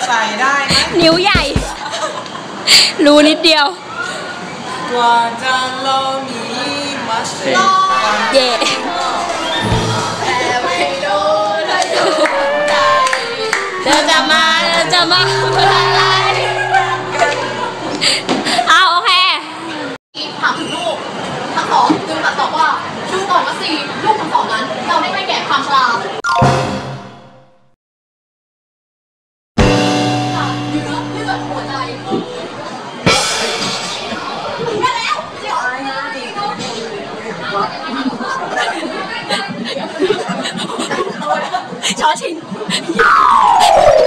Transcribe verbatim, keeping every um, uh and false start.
ใส่ได้ไหมนิ้วใหญ่รู้นิดเดียวกว่าจะลองมีมาเสร็จเย่เดินจะมาเดินจะมาอะไรเอาโอเคถามถึงลูกทั้งสองจึงตัดตอบว่าดูก่อนว่าสี่ลูกทั้งสองนั้นเราได้ให้แก่ความชราเนื้อเลือดหัวใจแค่แล้วเดี๋ยวอะไรนะช้อชิง